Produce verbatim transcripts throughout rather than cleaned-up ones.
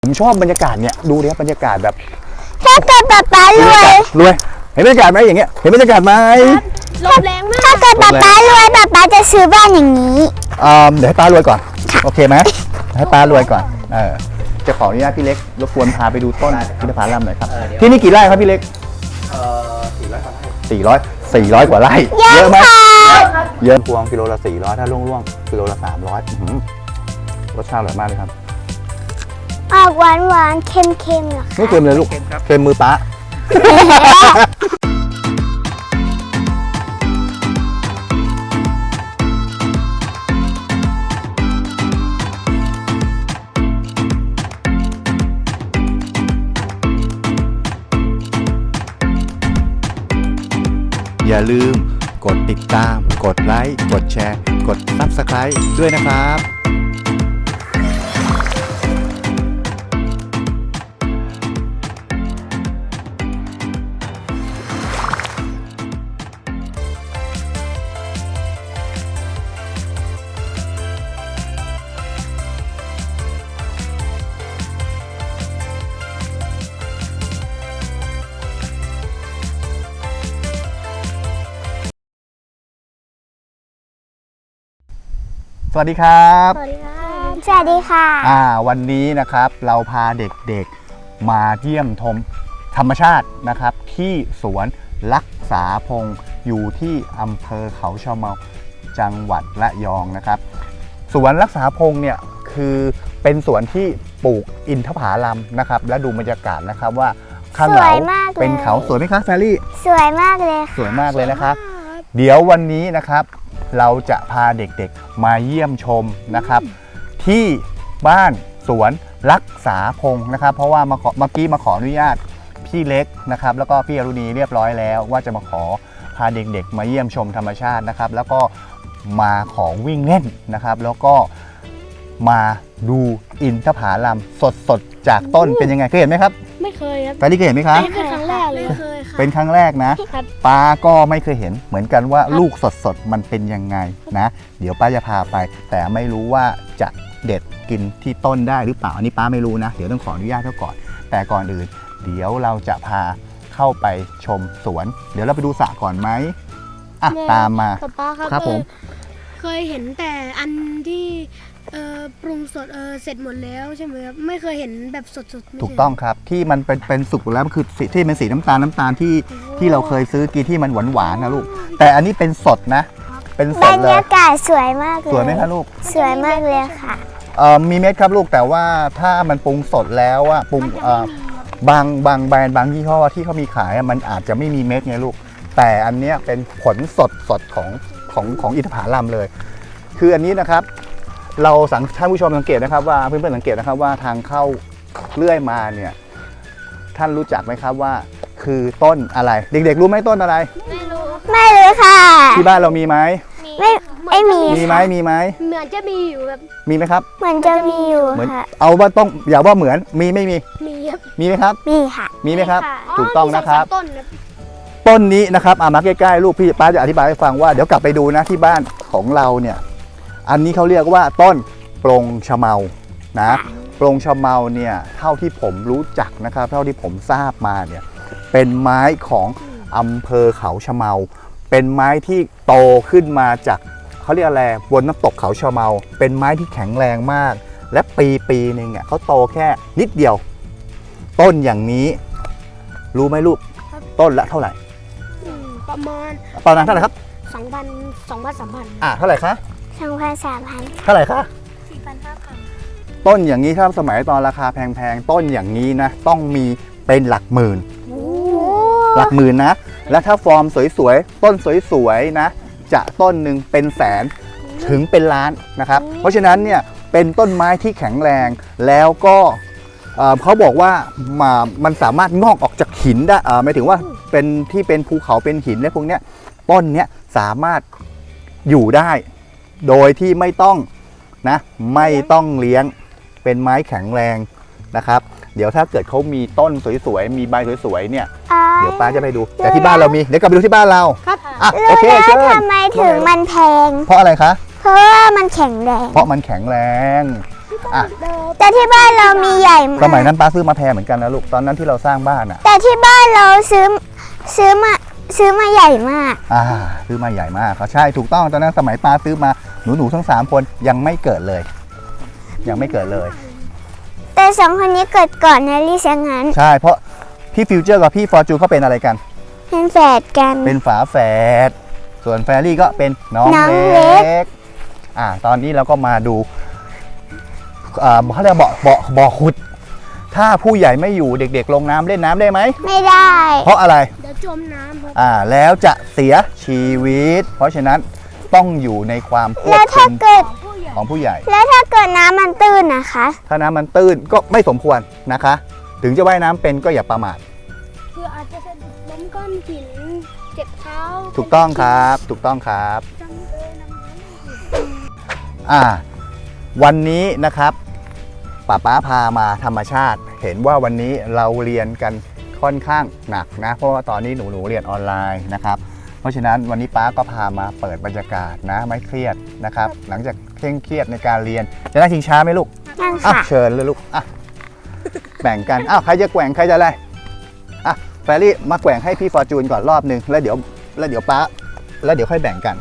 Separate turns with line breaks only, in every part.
ผมชอบบรรยากาศเนี่ยดูดิครับบรรยากาศแบบ
ถ้าเกิดป๊าป๊ารวย
รวยเห็นบรรยากาศไหมอย่างเงี้ยเห็นบรรยากาศไหม
ลมแรงมากถ้าเกิดป๊าป๊ารวยป๊าป๊าจะซื้อบ้านอย่างนี้
อ่าเดี๋ยวให้ป้ารวยก่อนโอเคไหมให้ป้ารวยก่อนเออจะขออนุญาตพี่เล็กรบกวนพาไปดูต้นอินทผลัมหน่อยครับที่นี่กี่ไร่ครับพี่เล็ก
เอ่อสี่ร้อยกว่าไร่
สี่ร้อยสี่ร้อยกว่าไร่เยอะไหมเยอะพวงกิโลละสี่ร้อยถ้าล่วงๆกิโลละสามร้อยรสชาติอร่อยมากเลยครับ
ออกหวานหวานเค็มเค็มหรอ
ไม่เค็มเลยลูกเค็มมือป้าอย่าลืมกดติดตามกดไลค์กดแชร์กด ซับสไครบ์ ด้วยนะครับสวัสดีครับ
สวัสดีครับสวัสดีค่ะ
อ่าวันนี้นะครับเราพาเด็กๆมาเยี่ยมชมธรรมชาตินะครับที่สวนรักษาพงศ์อยู่ที่อำเภอเขาชะเมาจังหวัดระยองนะครับสวนรักษาพงศ์เนี่ยคือเป็นสวนที่ปลูกอินทผลัมนะครับและดูบรรยากาศนะครับว่าข้างหลังเป็นเขาสวยไหมคะแฟรี่
สวยมากเลย
สวยมากเลยนะครับเดี๋ยววันนี้นะครับเราจะพาเด็กๆมาเยี่ยมชมนะครับที่บ้านสวนรักษาพงศ์นะครับเพราะว่าเมื่อกี้มาขออนุญาตพี่เล็กนะครับแล้วก็พี่อรุณีเรียบร้อยแล้วว่าจะมาขอพาเด็กๆมาเยี่ยมชมธรรมชาตินะครับแล้วก็มาขอวิ่งเล่นนะครับแล้วก็มาดูอินทผลัมสดๆจากต้นเป็นยังไงเคยเห็นไหมครับ
ไม่เคยครับ
ไปที่เคยเห็นไหมคะ
เป็นครั้งแรกเลยเคยค่ะ
เป็นครั้งแรกนะป้าก็ไม่เคยเห็นเหมือนกันว่าลูกสดๆมันเป็นยังไงนะเดี๋ยวป้าจะพาไปแต่ไม่รู้ว่าจะเด็ดกินที่ต้นได้หรือเปล่าอันนี้ป้าไม่รู้นะเดี๋ยวต้องขออนุญาตเขาก่อนแต่ก่อนอื่นเดี๋ยวเราจะพาเข้าไปชมสวนเดี๋ยวเราไปดูสระก่อนไหมอ่ะตามมา
ป้าครับ
ครับผม
เคยเห็นแต่อันที่เอ่อปรุงสดเออเสร็จหมดแล้วใช่ไหมครับไม่เคยเห็นแบบสดๆ
ถูกต้องครับที่มันเป็นเป็นสุกแล้วคือที่เป็นสีน้ำตาลน้ำตาลที่ที่เราเคยซื้อกินที่มันหวานหวานนะลูกแต่อันนี้เป็นสดนะเป็นสดเลยบร
รยากาศสวยมากเลย
สวยไหมคะลูก
สวยมากเลยค่ะ
เอ่อมีเม็ดครับลูกแต่ว่าถ้ามันปรุงสดแล้วอะปรุงเอ่อบางบางแบรนด์บางยี่ห้อที่เขามีขายมันอาจจะไม่มีเม็ดไงลูกแต่อันนี้เป็นผลสดสดของของของอินทผลัมเลยคืออันนี้นะครับเราสังท่านผู้ชมสังเกตนะครับว่าเพื่อนๆสังเกตนะครับว่าทางเข้าเลื่อยมาเนี่ยท่านรู้จักไหมครับว่าคือต้นอะไรเด็กๆรู้ไหมต้นอะไร
ไม่รู้ไม่รู้ค่ะ
ที่บ้านเรามีไหม
ไม่ไม่มี
มีไหมมีไหม
เหมือนจะมีอยู่แบบ
มีไหมครับ
เหมือนจะมีอยู่ค่ะ
เอาว่าต้องอย่าว่าเหมือนมีไม่มี
มีครับ
มีไหมครับ
มีค่ะ
มีไหมครับถูกต้องนะครับ
ต้น
ต้นนี้นะครับอามาใกล้ๆลูกพี่ป้าจะอธิบายให้ฟังว่าเดี๋ยวกลับไปดูนะที่บ้านของเราเนี่ยอันนี้เขาเรียกว่าต้นปรงชะเมานะปรงชะเมาเนี่ยเท่าที่ผมรู้จักนะครับเท่าที่ผมทราบมาเนี่ยเป็นไม้ของอำเภอเขาชะเมาเป็นไม้ที่โตขึ้นมาจากเขาเรียกอะไรบนน้ำตกเขาชะเมาเป็นไม้ที่แข็งแรงมากและปีปีนึงเนี่ยเขาโตแค่นิดเดียวต้นอย่างนี้รู้ไหมลูกต้นละเท่าไหร่
ประมาณ
ประมาณเท่าไหร่ครับ
สองพันสองพันสามพัน
อ่ะเท่าไหร่คะ
สองพันสามพัน
เท่าไหร่คะ
สี่พันห้าพัน
ต้นอย่างนี้ถ้าสมัยตอนราคาแพงๆต้นอย่างนี้นะต้องมีเป็นหลักหมื่นหลักหมื่นนะและถ้าฟอร์มสวยๆต้นสวยๆนะจะต้นหนึ่งเป็นแสนถึงเป็นล้านนะครับเพราะฉะนั้นเนี่ยเป็นต้นไม้ที่แข็งแรงแล้วก็เขาบอกว่ามันสามารถงอกออกจากหินได้หมายถึงว่าเป็นที่เป็นภูเขาเป็นหินและพวกเนี้ยต้นเนี้ยสามารถอยู่ได้โดยที่ไม่ต้องนะไม่ต้องเลี้ยงเป็นไม้แข็งแรงนะครับ เดี๋ยวถ้าเกิดเขามีต้นสวยๆมีใบสวยๆเนี่ยเดี๋ยวป้าจะไปดูแต่ที่บ้านเรามีเดี๋ยวกลับไปดูที่บ้านเรา
ครับ
อ่ะโอเคเชิญ
ทำไมถึงมันแพง
เพราะอะไรคะ
เพราะว่ามันแข็งแรง
เพราะมันแข็งแรงอ่ะ
แต่ที่บ้านเรามีใหญ่มาก
สมัยนั้นป้าซื้อมาแพงเหมือนกันนะลูกตอนนั้นที่เราสร้างบ้านอ่ะ
แต่ที่บ้านเราซื้อซื้อมาซื้อมาใหญ่มาก
อ่าซื้อมาใหญ่มากเขาใช่ถูกต้องตอนนั้นสมัยป้าซื้อมาหนูหนูๆทั้งสามคนยังไม่เกิดเลย ยังไม่เกิดเลย
แต่สองคนนี้เกิดก่อนนะลิซะงั้น
ใช่เพราะพี่ฟิวเจอร์กับพี่ฟอร์จูนเขาเป็นอะไรกัน
เป็นแฝดกัน
เป็นฝาแฝดส่วนแฟรี่ก็เป็นน้อง
น้อง
เล็
เล็ก
กอ่าตอนนี้เราก็มาดูอ่าเขาเรียกว่าเบาะเบาะบ่อขุด ถ้าผู้ใหญ่ไม่อยู่เด็กๆ ลงน้ำเล่นน้ำได้ไหม
ไม่ได้
เพราะอะไร
เดี๋ยวจมน้ำครับ
อ่าแล้วจะเสียชีวิต เพราะฉะนั้นต้องอยู่ในความคว
แล้
บ
วถ้า
คุม
เกิด
ผู้ใหญ่
ของผู้ใหญ่
แล้วถ้าเกิดน้ำมันตื้นนะคะ
ถ้าน้ำมันตื้นก็ไม่สมควรนะคะ ถึงจะว่ายน้ำเป็นก็อย่าประมาท
คืออาจจะสะดุดล้มก้อนหินเจ็บเท้า
ถูกต้องครับ ถูกต้องครับ
จังเลยน้ำมัน
อ่า วันนี้นะครับป้าป๊าพามาธรรมชาติ เห็นว่าวันนี้เราเรียนกันค่อนข้างหนักนะ เพราะว่าตอนนี้หนูหนูๆเรียนออนไลน์นะครับ เพราะฉะนั้นวันนี้ป้าก็พามาเปิดบรรยากาศนะไม่เครียดนะครับ หลังจากเคร่งเครียดในการเรียนจะนั่งชิงช้าไหมลูก
นั่ง
อ่ะ
ค่ะ
เชิญเลยลูกอ่ะแบ่งกันอ้าวใครจะแกว่งใครจะอะไรอ่ะแฟรี่มาแกว่งให้พี่ฟอร์จูนก่อนรอบนึงแล้วเดี๋ยวแล้วเดี๋ยวป้าแล้วเดี๋ยวค่อยแบ่งกัน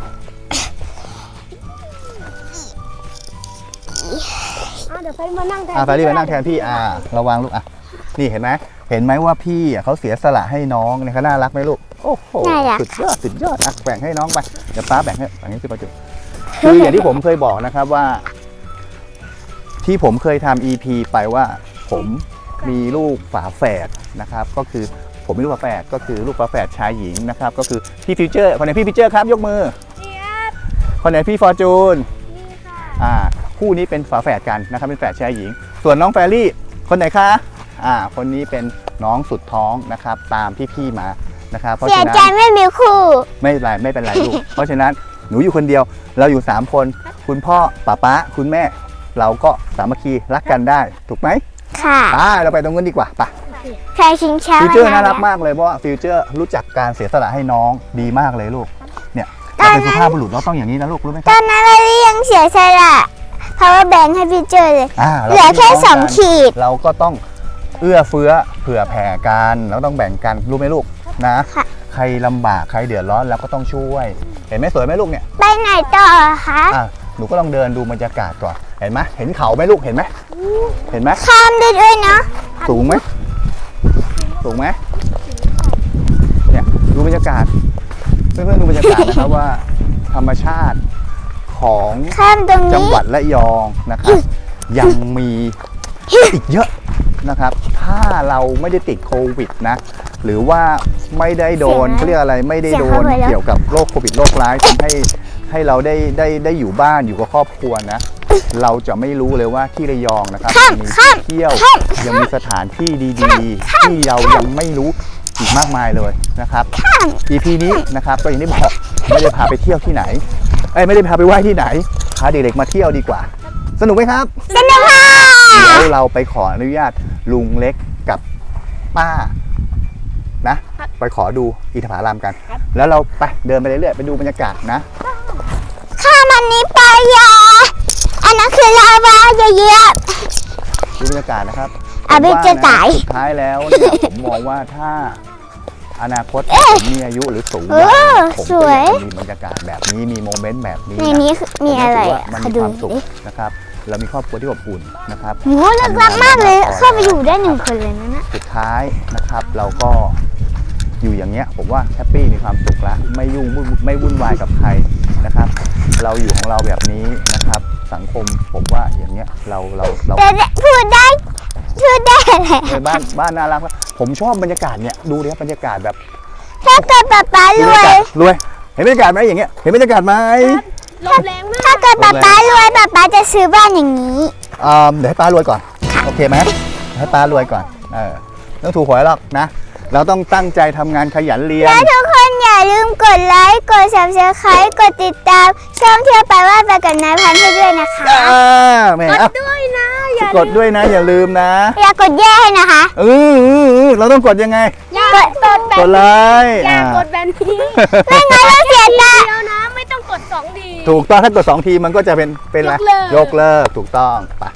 อ่ะเดี๋ยวไปมานั่งแทน
อ่ะแฟรี่มานั่งแทนพี่อ่าระวังลูกอ่ะนี่เห็นไหมเห็นไหมว่าพี่อ่ะเขาเสียสละให้น้องเนี่ยเขาน่ารักไหมลูกโอ้โห
น่ารัก
สุดยอดสุดยอดอ่ะแบ่งให้น้องไปเดี๋ยวป้าแบ่งให้แบ่งให้พี่ฟอร์จูนคืออย่างที่ผมเคยบอกนะครับว่า ที่ผมเคยทำ อี พี ไปว่าผมมีลูกฝาแฝดนะครับ ก็คือผมมีลูกฝาแฝดก็คือลูกฝาแฝดชายหญิงนะครับ ก็คือพี่ฟิวเจอร์คนไหนพี่ฟิวเจอร์ครับยกมือ
เจี๊ยบ
คนไหนพี่ฟอร์จูน
นี่ค่ะ
อ่าคู่นี้เป็นฝาแฝดกันนะครับเป็นแฝดชายหญิง ส่วนน้องแฟรี่คนไหนคะอ่าคนนี้เป็นน้องสุดท้องนะครับ ตามพี่ๆมานะครับ เพราะ
เสีย
ฉะนั้
ใจ
น
ไม่มีคู่
ไม่เป็นไรไม่เป็นไรลูก เพราะฉะนั้นหนูอยู่คนเดียวเราอยู่สามคน คุณพ่อป้าป๊าคุณแม่ เราก็สามัคคีรักกันได้ถูกไหม
ค่ะ
ไปเราไปตรงนู้นดีกว่าไป
ใครชิงช้า
ฟิวเจอร์
ไว้
น่ารัก
แล้ว
มากเลยเพราะว่าฟิวเจอร์รู้จักการเสียสละให้น้องดีมากเลยลูกเนี่ยเราเป็นสุภาพบุรุษเราต้องอย่างนี้นะลูกรู้ไหมค
ต
รั
อบ นนั้นเรายังเสียสละเพราะว่าแบ่งให้พี่เจอเลย
อ่า
เหลือแค่
ราป็น
สอง
น้กัน
ขีด
เราก็ต้องเอื้อเฟื้อเผื่อแผ่กันเราต้องแบ่งกันรู้ไหมลูกนะ
ค่ะ
ใครลำบากใครเดือดร้อนเราก็ต้องช่วย เห็นไหมสวยไหมลูกเนี่ย
ไปไหนต่อคะ
อ่ะหนูก็ลองเดินดูบรรยากาศก่อนเห็นไหมเห็นเขาไหมลูกเห็นไหมเห็นไหม
ข้ามได้ด้วยเนาะ
สูงไหมสูงไหมเนี่ยดูบรรยากาศเพื่อนๆดูบรรยากาศนะครับ ว่าธรรมชาติของ
ข้ามตรง
จัง
นี้
หวัดระยองนะครับ ยังมีอีกเยอะนะครับ ถ้าเราไม่ได้ติดโควิดนะ หรือว่าไม่ได้โดนเขาเรียกอะไรไม่ได้โดนเกี่ยวกับโรคโควิดโรคร้ายทำให้ให้เราได้ได้ได้อยู่บ้านอยู่กับครอบครัวนะ เราจะไม่รู้เลยว่าที่ระยองนะครับยังมีที่เที่ยวยังมีสถานที่ดีๆ ที่เรายังไม่รู้อีกมากมายเลยนะครับ อี พี นี้นะครับก็อย่างที่บอกไม่ได้พาไปเที่ยวที่ไหนเอ้ยไม่ได้พาไปไหว้ที่ไหนพาเด็กๆมาเที่ยวดีกว่า สนุกไหมครับ
สนุกค่ะ
เดี๋ยวเราไปขออนุญาตลุงเล็กกับป้านะ ไปขอดูอินทผลัมกัน แล้วเราไปเดินไปเรื่อยๆไปดูบรรยากาศนะ
ข้ามอันนี้ไปอย่าอันนั้นคือลาวาอย่าเหยียบ
ดูบรรยากาศนะครับ
อ่ะ
ผมว่
ไม่จะตาย
สุดท้ายแล้วเนี่ยผมมองว่าถ้าอนาคตผมมีอายุหรือสูง
เอ
วัย
อ
ผม
ส
ก็
ว
อย ยากจะมีบรรยากาศแบบนี้มีโมเมนต์แบบนี้
ใน
นะ
นี้คือมีอะไร
ผม
อ่ะ
ว่ามัน
ขอ
มี
ดู
ความสุข
ดิ
นะครับ เรามีครอบครัวที่อบอุ่นนะครับ
โหลึกลับมากเลย เข้าไปอยู่ได้หนึ่งคนเลยนะนะ
สุดท้ายนะครับเราก็อยู่อย่างเงี้ยผมว่าแฮปปี้มีความสุขละไม่ยุ่งวุ่นไม่วุ่นวายกับใครนะครับ เราอยู่ของเราแบบนี้นะครับ สังคมผมว่าอย่างเงี้ยเราเราเรา
แต่พูดได้พูดได้อะไร
ในบ้านบ้านน่ารักมากผมชอบบรรยากาศเนี่ยดูดิครับบรรยากาศแบบ
ถ้าเกิดป๊าป๊าร
ดูบร
ว
รยากาศ
ย
รวยเห็นบรรยากาศไหมอย่างเงี้ยเห็นบรรยากาศไหม
ลมแรงมาก
ถ้าเกิดป๊าป๊ารวยป๊าป๊าจะซื้อบ้านอย่างนี้
อ่าเดี๋ยวให้ป้ารวยก่อนโอเคไหมให้ป้ารวยก่อนเออไม่ต้องถูกหวยหรอกนะ เราต้องตั้งใจทำงานขยันเรียน
และทุกคนอย่าลืมกดไลค์ กด ซับสไครบ์ กดติดตาม ช่องเที่ยวไปว่าไปกับนายพันธุ์ให้ด้วยนะคะ
อ่าแหม่
กด
อ่ะ
ด้วยนะ อย่าก
ดด้วยนะอย่าลืมนะ
อย่ากดแย่ให้นะคะ
เออเออเออเราต้องกดยังไง
อย่ากดแบ
ก
น
ดไลค์
อย่า
อ่าก
ดแบนนี้
ไม่งั้นเราเสียใจ
เดียวนะ ไม่ต้องกดสองดี
ถูกต้องถ้ากดสองทีมันก็จะเป็นเป็นอะไร
ยกเลิก
ยกเลิกถูกต้องไป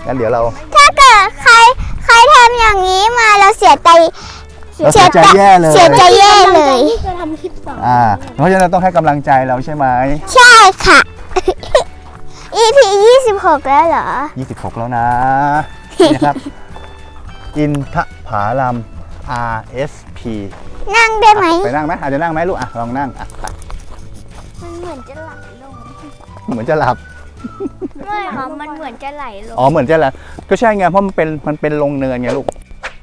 งั้นเดี๋ยวเรา
ถ้าเกิดใครใครทำอย่างนี้มาเราเสียใจ
เราเสียใจแย่เลย
เสียใจแย่เลย
ที่จะทำคลิปต่อ
อ่าเพราะฉะนั้นเราต้องให้กำลังใจเราใช่ไหม
ใช่ค่ะ อี พี ยี่สิบหกแล้วเหรอ
ยี่สิบหกแล้วนะ นี่นะครับ อินทผาลัม อาร์ เอส พี
นั่งได้ไหม
ไปนั่งไหมอาจจะนั่งไหมลูกอ่ะลองนั่งอ่ะไป
มันเหมือนจะไหลลง
เหมือนจะหลับ
ไม่ค่ะมันเหมือนจะไหลลง
อ๋อเหมือนจะหลับก็ใช่ไงเพราะมันเป็นมันเป็นลงเนินไงลูก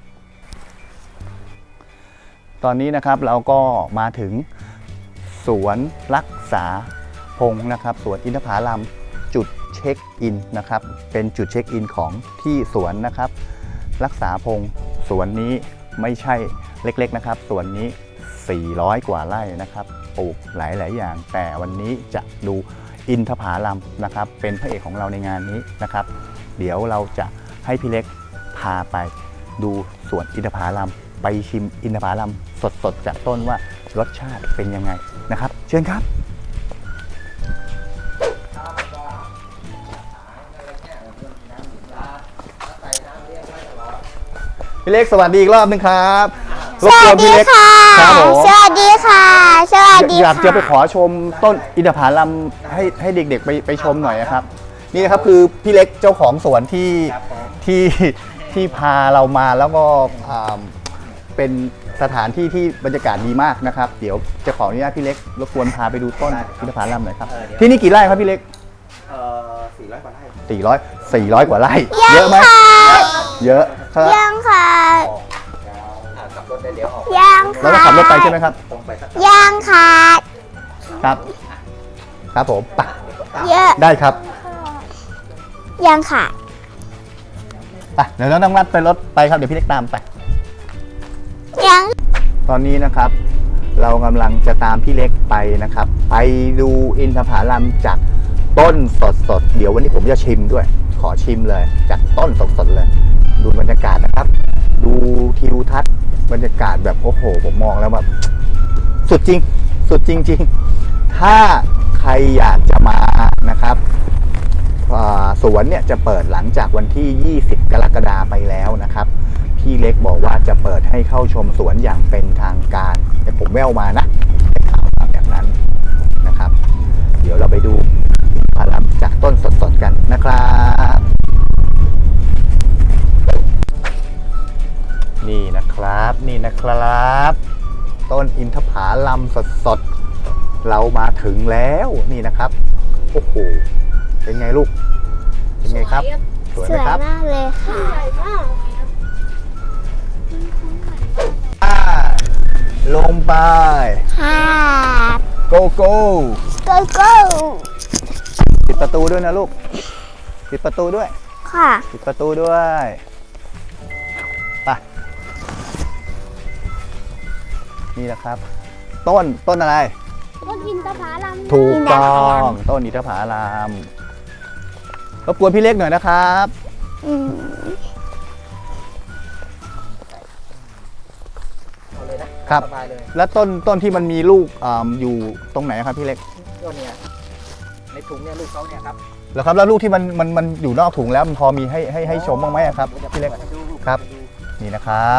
ตอนนี้นะครับเราก็มาถึงสวนรักษาพงศ์นะครับสวนอินทผลัมจุดเช็คอินนะครับเป็นจุดเช็คอินของที่สวนนะครับ รักษาพงศ์สวนนี้ไม่ใช่เล็กๆนะครับสวนนี้สี่ร้อยกว่าไร่นะครับปลูกหลายๆอย่าง แต่วันนี้จะดูอินทผลัมนะครับเป็นพระเอกของเราในงานนี้นะครับ เดี๋ยวเราจะให้พี่เล็กพาไปดูสวนอินทผลัมไปชิมอินทผลัมสดๆจากต้นว่ารสชาติเป็นยังไงนะครับ เชิญครับพี่เล็กสวัสดีอีกรอบนึงครับร
ส
บก
วั
ว
ส
นพี่
ดี
เล็ก
ค่ะ
ครับผม
สวัสดีค่ะ สวัสดี
อยาก
ค่ะ
จะไปขอชมต้นอินทผลัมให้ให้เด็กๆไปไปชมหน่อยนะครับ นี่นะครับคือพี่เล็กเจ้าของสวนที่ที่ที่พาเรามาแล้วก็อ่าเป็นสถานที่ที่บรรยากาศดีมากนะครับ เดี๋ยวจะขออนุญาตพี่เล็กรบกวนพาไปดูต้นอินทผลัมหน่อยครับที่นี่กี่ไร่ครับพี่เล็ก
เอ่อสี่ร้อยกว่าไร่
สี่ร้อย สี่ร้อยกว่าไร่เยอะไหมเยอะครับ
ยังค่ะ
อ่าขับรถได้เลี้ยวออก
ยัง
เรา
ค่ะ
ต้องขับรถไปใช่ไหมครับ
ตรงไปสัก
ยังค่ะ
ครับ ครับผมไป
เยอะ
ได้ครับ
ยังค่ะ
ไปเดี๋ยวเราต้องนัดไปรถไปครับเดี๋ยวพี่เล็กตามไป
ยัง
ตอนนี้นะครับเรากำลังจะตามพี่เล็กไปนะครับ ไปดูอินทผลัมจากต้นสดๆเดี๋ยววันนี้ผมจะชิมด้วย ขอชิมเลยจากต้นสดๆเลย ดูบรรยากาศนะครับ ดูทิวทัศน์บรรยากาศแบบโอ้โหผมมองแล้วแบบสุดจริง สุดจริง ๆ ถ้าใครอยากจะมานะครับอ่าสวนเนี่ยจะเปิดหลังจากวันที่ ยี่สิบ กรกฎาคมไปแล้วนะครับ พี่เล็กบอกว่าจะเปิดให้เข้าชมสวนอย่างเป็นทางการแต่ผมแววมานะได้ข่าวมาแบบนั้นนะครับ เดี๋ยวเราไปดูอินทผลัมจากต้นสดๆกันนะครับ นี่นะครับนี่นะครับ ต้นอินทผลัมสดๆเรามาถึงแล้วนี่นะครับโอ้โหเป็นไงลูกเป็นไงครับสวย
ส
ไหม
วย
ครับ
มากเลยค่ะ
ใหญ่มาก
ลงไป
ค่ะ
โกโก้
โกโก้
ปิดประตูด้วยนะลูกปิดประตูด้วย
ค่ะ
ปิดประตูด้วยไปนี่นะครับ ต้นต้นอะไร
ต้นอินทผลัม
ถูกต้องต้นอินทผลัมรบกวนพี่เล็กหน่อยนะครับ
อืม
เอาเลยนะครับ สบายเลย
แล้วต้นต้นที่มันมีลูกอ่าอยู่ตรงไหนครับพี่เล็ก
ก็เนี่ยในถุงเนี่ยลูกเขาเนี่ยครับ
แล้วครับแล้วลูกที่มันมันมันอยู่นอกถุงแล้วมันพอมีให้ให้ให้ชมบ้างไหมอะครับพี่เล็ก
ดูลูก
ครับ
ดู
นี่นะครับ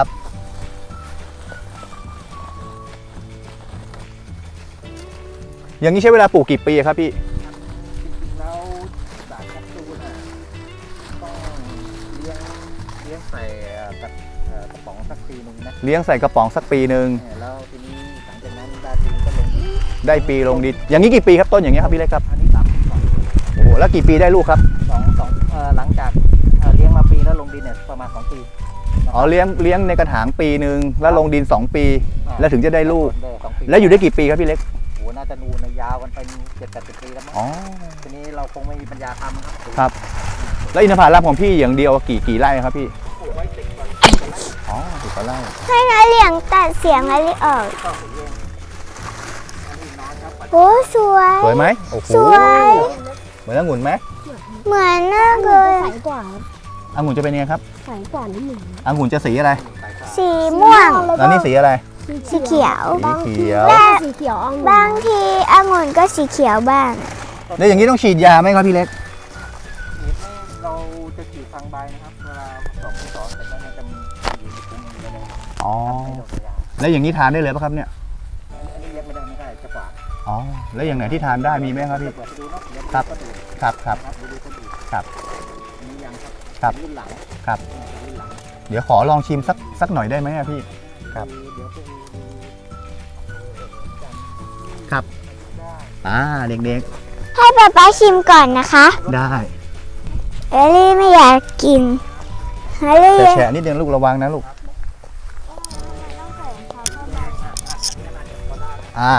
อย่างนี้ใช้เวลาปลูกกี่ปีอะครับพี่
จริงๆแล้วสารแคปซูลน่ะต้องเลี้ยงเลี้ยงใส่กระเอ่อกระป๋องสักปีหนึ่งนะ
เลี้ยงใส่กระป๋องสักปีหนึ่ง
เนี่ยแล้วทีนี้หลังจากนั้นได้ปีก็ลงดิน
ได้ปีลงดินอย่างนี้กี่ปีครับต้นอย่างเงี้ยครับพี่เล็กครับ
อันนี้สามปีสอง
โอ้โหแล้วกี่ปีได้ลูกครับ
สองสองเอ่อหลังจากเอ่อเลี้ยงมาปีแล้วลงดินเนี่ยประมาณสองปี
อ๋อเลี้ยงเลี้ยงในกระถางปีหนึ่งแล้วลงดินสองปี
อ่า
แล้วถึงจะได้ลูก
ได้สองปี
แล้วอยู่ได้กี่ปีครับพี่เล็ก
โอ้โหน่าจะนูนนะยาวกันไปเจ็ดแปดสิบปีแล้วมั้ง
อ๋อ
ทีนี้เราคงไม่มีปัญญาทำครับ
ครับ แล้วอินทผลัมของพี่อย่างเดียวกี่กี่ไร่ครับพี่
ปลูกไว้ติดก่อน
อ๋อสิบกว่าไร่
ให้น้าเหลียงตัดเสียงอะไรออก
ก็สีเย็นอันนี้น้อยครับ
โอ้สวย
สวยไหมโอ้โห
สวย
เหมือนองุ่นไหม
เหมือนมากเลย
ใสกว่าครับ
องุ่นจะเป็นยังไงครับ
ใสกว่านิดหนึ่ง
องุ่นจะสีอะไร
สีม่วง
แล้วนี่สีอะไร
สีเขียว
สีเขียว
และ
สีเขียวอ่อง
บางทีองุ่นก็สีเขียวบ้าง
แล้วอย่างนี้ต้องฉีดยาไหมครับพี่เล็ก
ฉีดไม่เราจะฉีดไฟฟังใบนะครับเวลาผสมที่สองเสร็จแล้วมันจะมีอยู่ในถุงนี้เลย
อ๋อ
ไม่โดนยา
แล้วอย่างนี้ทานได้เลยป่ะครับเนี่ย
อันนี้เย็บไม่ได้ไม่ได้จะฝาด
อ๋อ แล้วอย่างไหนที่ทานได้มีไหมครับพี่
เปิดไปดูเนาะเดี๋ยว
ครับ
ก็ดู
ครับครับ
ครับดูดูก็ดู
ครับ
มียังครับ
ครับ
รุ่นหลัง
ครับ
รุ่นหลัง
เดี๋ยวขอลองชิมสักสักหน่อยได้ไหมอะพี่ ครับ
เดี๋ยวไปดู
ครับ
ได้
อ่าเด็ก
ให้ป๊าป๊าชิมก่อนนะคะ
ๆ ได้
เอลลี่ไม่อยากกินเอลลี่
แต่แฉะนิดนึงลูกระวังนะลูก อ่า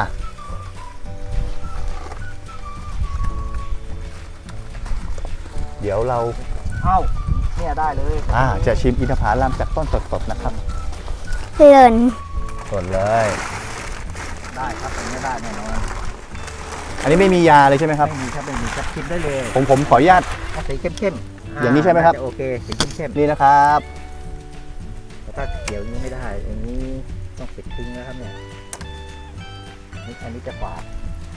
เดี๋ยวเรา
เอ้าเนี่ยได้เลย
อ่า จะชิมอินทผลัมจากต้นสดๆนะครับ
หล่น
สดเลย
ได้ครับอันนี้ได้แน่นอน
อันนี้ไม่มียาเลยใช่ไหมครับ
ไม่มีครับไม่มีครับชิมได้เลย
ผมผมขออนุญาต
เอาสีเข้มๆ
อย่างนี้ใช่ไหมครับ
าจะโอเคสีเข้ม
นี่นะครับ
ๆแต่ถ้าเขียวนี้ไม่ได้อย่างนี้ต้องปิดทิ้งนะครับเนี่ยนี่อันนี้จะฝาด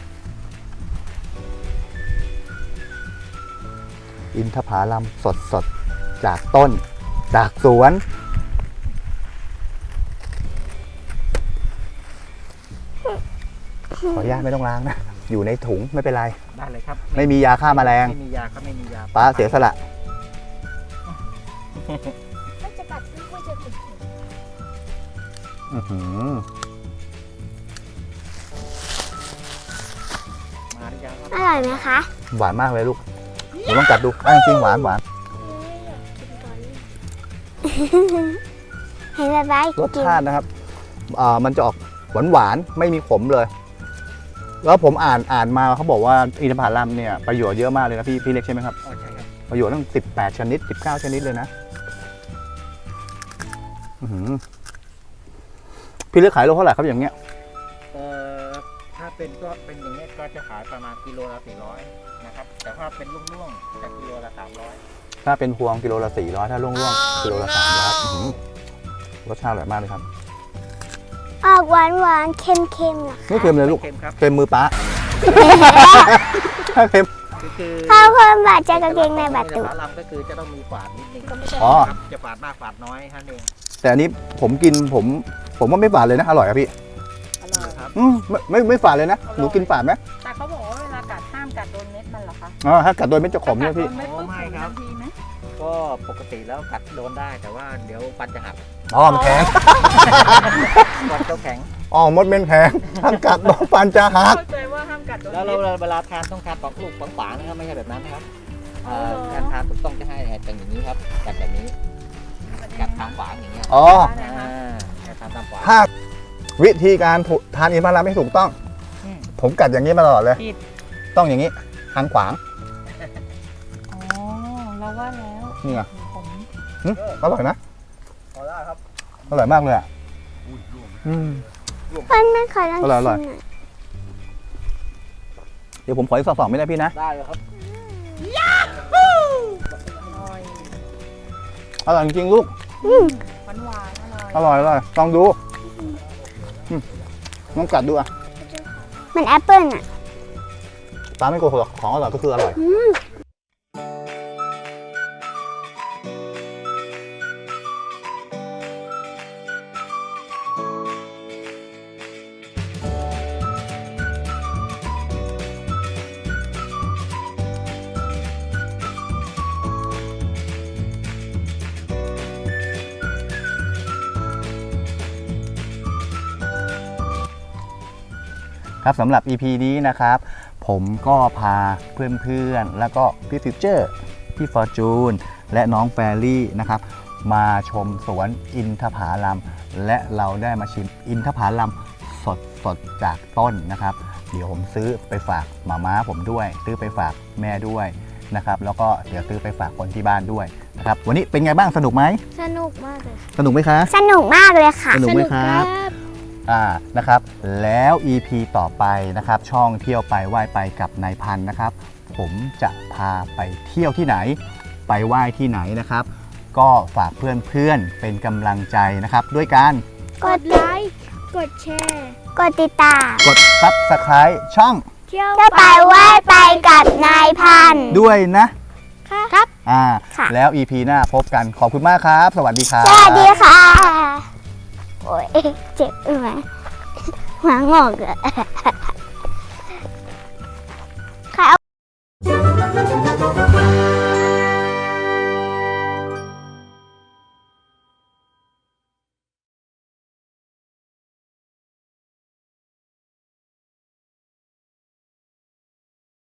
อินทผลัมสดๆ จากต้น จากสวน ขออนุญาตไม่ต้องล้างนะ อยู่ในถุงไม่เป็นไร
ได้เลยครับ
ไม่มียาฆ่าแมลง
ไม่มียาครับไม่มียา
ป้าเสียสละ
ก็จะกัดที่ก็จะติด
อื้อหือ
มาหรือยังครับ
อร่อยไหมคะ
หวานมากเลยลูกหนูต้องกัดดูอ่ะจริงๆหวานหวาน
เห็นป๊าป๊าร
สชาตินะครับอ่ามันจะออกหวานหวานๆไม่มีขมเลย แล้วผมอ่านอ่านมาเขาบอกว่าอินทผลัมเนี่ยประโยชน์เยอะมากเลยนะพี่พี่เล็กใช่ไหมครับ
อ๋อใช่ครับ
ประโยชน์ตั้งสิบแปดชนิดสิบเก้าชนิดเลยนะอื้อหือพี่เล็กขายโลเท่าไหร่ครับอย่างเงี้ย
เอ่อถ้าเป็นก็เป็นอย่างนี้ยก็จะขายประมาณกิโลละสี่ร้อยนะครับแต่ถ้าเป็นลุ่งๆจะกิโลละสามร้อย
ถ้าเป็นพวงกิโลละสี่ร้อยถ้าร่วงๆกิโลละสามร้อยรสชาติอร่อยมากเลยครับ
ออกหวานหวานๆเค็มเค็มๆเหรอ
ไม่เค็มเลยลูก
เค็มครับ
เค็มมือป้า ถ้าเค็ม
คือคือ
ข้าวคนบาดเจอกางเกงในบาดตุ
ฝาลำก็คือจะต้องมีฝาดนิดนึง
อ๋อ
ครับจะฝาดมากฝาดน้อยท่านเอง
แต่อันนี้ผมกินผม ผมว่าไม่ฝาดเลยนะ อร่อยครับพี่
อร่อย
ครับ
อืมไม่ไม่ไม่ฝาดเลยนะ หนูกินฝาดไหม
แต่เขาบอกว่าเวลากัดห้ามกัดโดนเม็ดมันเหรอคะ
อ๋อถ้ากัดโดยไม่จะขมเนี่ยพี่
กัดโดนเม็ดปุ๊บ
ไม่
ขม
ครั
ทั
บ
นทีไหม
ก็ปกติแล้วกัดโดนได้แต่ว่าเดี๋ยวฟันจะหัก
อ๋อมันแข็ง
ฟันก็แข็ง
อ๋อมดเป็นแข็งถ้ากัดโดนฟันจะหัก
เข้าใจว่าห้ามกัดโดน
แล้ว
เม็ด
เราเวลาทานต้องทานปอกลูกปอกฝานะครับไม่ใช่แบบนั้นนะครับเอ่อ
อ๋อ
การทานถูกต้องจะให้เป็นอย่างนี้ครับกัดแบบนี้กัดทางฝาอย่างเงี้ย
อ๋อ
อ่ากัดทางตามฝา
ถ้าวิธีการถูทานอินทผลัมไม่ถูกต้อง
อืม
ผมกัดอย่างนี้มาตลอดเลย
ผิด
ต้องอย่างนี้ทางขวาง
อ๋อเราว่าแล้ว
นี่ไง
ผม
หึอร่อยนะ
พอแล้วครับ
อร่อยมากเลยอ่ะอืม
เพื่อนไม่ขอลอง
อร่อยอร่อย
ชิมหน่อย
เดี๋ยวผมขออีกสองสองไม่ได้พี่นะ
ได้เลยครับ
อร่อย
อร่อยจริงๆลูก
หวานหวานๆอร่อย
อร่อยอร่อยลองดูอืมลองกัดดูอ่ะ
เหมือนแอปเปิ้ลอ่ะ
ตาไม่โกหกหรอกของอร่อยก็คืออร่อย ครับสำหรับ อี พี นี้นะครับ ผมก็พาเพื่อนๆ แล้วก็พี่ฟิวเจอร์พี่ฟอร์จูนและน้องแฟรี่นะครับ มาชมสวนอินทผลัมและเราได้มาชิมอินทผลัมสดสดๆจากต้นนะครับ เดี๋ยวผมซื้อไปฝากหมาม้าผมด้วย ซื้อไปฝากแม่ด้วยนะครับ แล้วก็เดี๋ยวซื้อไปฝากคนที่บ้านด้วยนะครับ วันนี้เป็นไงบ้างสนุกไหม
สนุกมากเลย
สนุกไหมคะ
สนุกมากเลยค่ะ
สนุกไหมครับ อ่า นะครับ แล้ว อี พี ต่อไปนะครับ ช่องเที่ยวไปไหว้ไปกับนายพันธุ์นะครับ ผมจะพาไปเที่ยวที่ไหน ไปไหว้ที่ไหนนะครับ ก็ฝากเพื่อนๆ เป็นกำลังใจนะครับ ด้วยการ
กดไลค์ กดแชร์ กดติดตาม
กด ซับสไครบ์ ช่อง
เที่ยวไปไหว้ไปกับนายพันธุ์
ด้วยนะ
ครับ
อ่า
ค่ะ
แล้ว อี พี หน้าพบกันขอบคุณมากครับ สวัสดีครับ
สวัสดีค่ะ โอ้ยเจ็บไหมหัวงอกเลย